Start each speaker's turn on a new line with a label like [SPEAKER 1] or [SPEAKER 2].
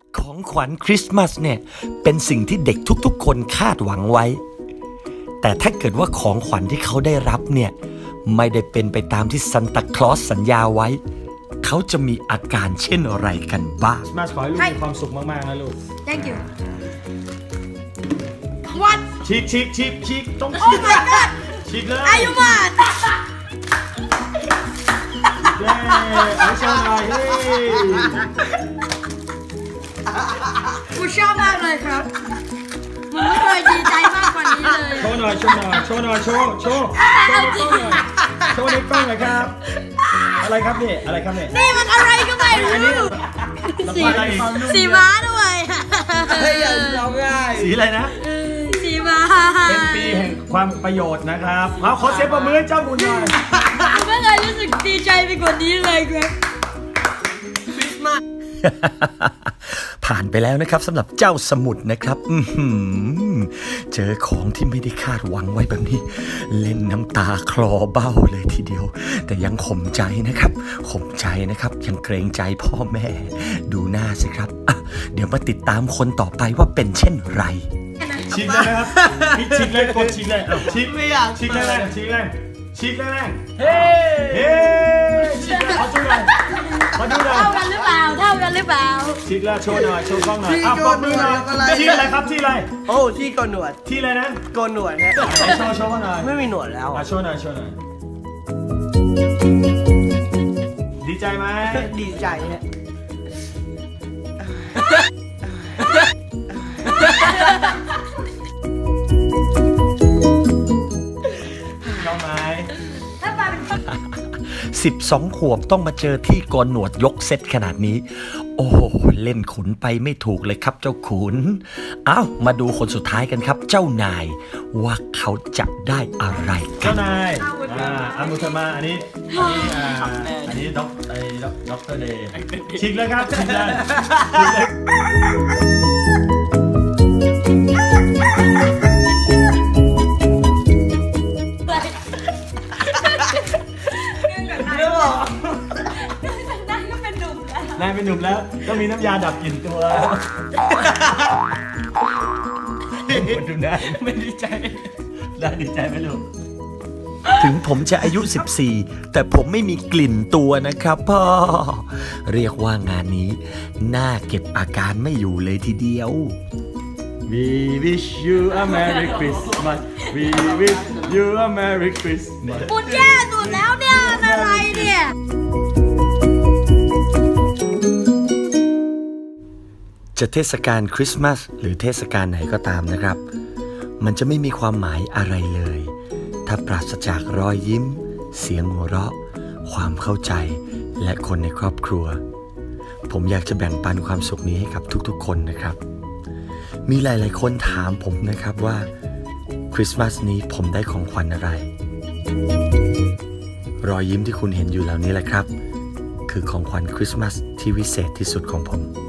[SPEAKER 1] ของขวัญคริสต์มาสเนี่ยเป็นสิ่งที่เด็กทุกๆคนคาดหวังไว้แต่ถ้าเกิดว่าของขวัญที่เขาได้รับเนี่ยไม่ได้เป็นไปตามที่ซันตาคลอสสัญญาไว้เขาจะมีอาการเช่นอะไรกันบ้าง
[SPEAKER 2] มาขอให้ลูกมีความสุขมากๆนะลูก
[SPEAKER 3] Thank you What
[SPEAKER 2] ฉีกต้อง
[SPEAKER 3] Oh my god
[SPEAKER 2] ฉีกเลย
[SPEAKER 3] อายุมา
[SPEAKER 2] เย้ไม่ชอบหน่อยเฮ้ย
[SPEAKER 3] กูชอบมากเลยครับผมไม่เคยดีใจมากกว่านี้เลย
[SPEAKER 2] โชว์หน่อยโชว์ในกล้องหน่อยโชว์ในกล้องหน่อยครับอะไรครับนี่อะไรครับ
[SPEAKER 3] นี่มันอะไรก็ไม่รู้สีม้าด้วย
[SPEAKER 2] สีอะไรนะ
[SPEAKER 3] สีม้า
[SPEAKER 2] เป็นปีแห่งความประโยชน์นะครับขอเสียงปรบมือให้เจ้าบุญหน่อย
[SPEAKER 3] ไม่เคยรู้สึกดีใจไปกว่านี้เลยครับคริสต์มาส
[SPEAKER 1] ผ่านไปแล้วนะครับสำหรับเจ้าสมุทรนะครับเจอของที่ไม่ได้คาดหวังไว้แบบนี้เล่นน้ำตาคลอเบ้าเลยทีเดียวแต่ยังข่มใจนะครับยังเกรงใจพ่อแม่ดูหน้าสิครับเดี๋ยวมาติดตามคนต่อไปว่าเป็นเช่นไร
[SPEAKER 2] ฉีกเลยนะครับฉีกเลยกดฉีกเลยฉีกไม่อยากฉีกเลยฉีกเลยเฮ้ฉีกเลยขอดูหน่อย
[SPEAKER 3] เท่ากันหรือเปล่า
[SPEAKER 2] ฉีกแล้วโชว์หน่อยโชว์กล้องหน่อยปรบมือหน่อยที่อะไรครับที่อะไร
[SPEAKER 4] โอ้ที่โกนหนวด
[SPEAKER 2] ที่อะไรนะ
[SPEAKER 4] โกนหนวดฮะ
[SPEAKER 2] โชว์หน่อย
[SPEAKER 4] ไม่มีหนวดแล้ว
[SPEAKER 2] โชว์หน่อยดีใจไหม
[SPEAKER 4] ดีใจฮะ
[SPEAKER 2] เข้าไหม
[SPEAKER 1] 12 ขวบต้องมาเจอที่โกนหนวดยกเซตขนาดนี้โอ้เล่นขุนไปไม่ถูกเลยครับเจ้าขุนมาดูคนสุดท้ายกันครับเจ้านายว่าเขาจะได้อะไรกัน
[SPEAKER 2] เจ้านายอามุธมาอันนี้ด็อกเตอร์เดย์ฉีกเลยครับฉีกเลยนายเป็นหนุ่มแล้วต้องมีน้ำยาดับกลิ่นตัวคนดูได้ไม่ดีใจได้ดีใจไหมลูก
[SPEAKER 1] ถึงผมจะอายุ 14แต่ผมไม่มีกลิ่นตัวนะครับพ่อเรียกว่างานนี้น่าเก็บอาการไม่อยู่เลยทีเดียว
[SPEAKER 2] We wish you a Merry Christmas We wish you a Merry Christmas
[SPEAKER 3] ปุ่นแย่สุดแล้วเนี่ยอะไรเนี่ย
[SPEAKER 1] จะเทศกาลคริสต์มาสหรือเทศกาลไหนก็ตามนะครับมันจะไม่มีความหมายอะไรเลยถ้าปราศจากรอยยิ้มเสียงหัวเราะความเข้าใจและคนในครอบครัวผมอยากจะแบ่งปันความสุขนี้ให้กับทุกๆคนนะครับมีหลายๆคนถามผมนะครับว่าคริสต์มาสนี้ผมได้ของขวัญอะไรรอยยิ้มที่คุณเห็นอยู่เหล่านี้แหละครับคือของขวัญคริสต์มาสที่วิเศษที่สุดของผม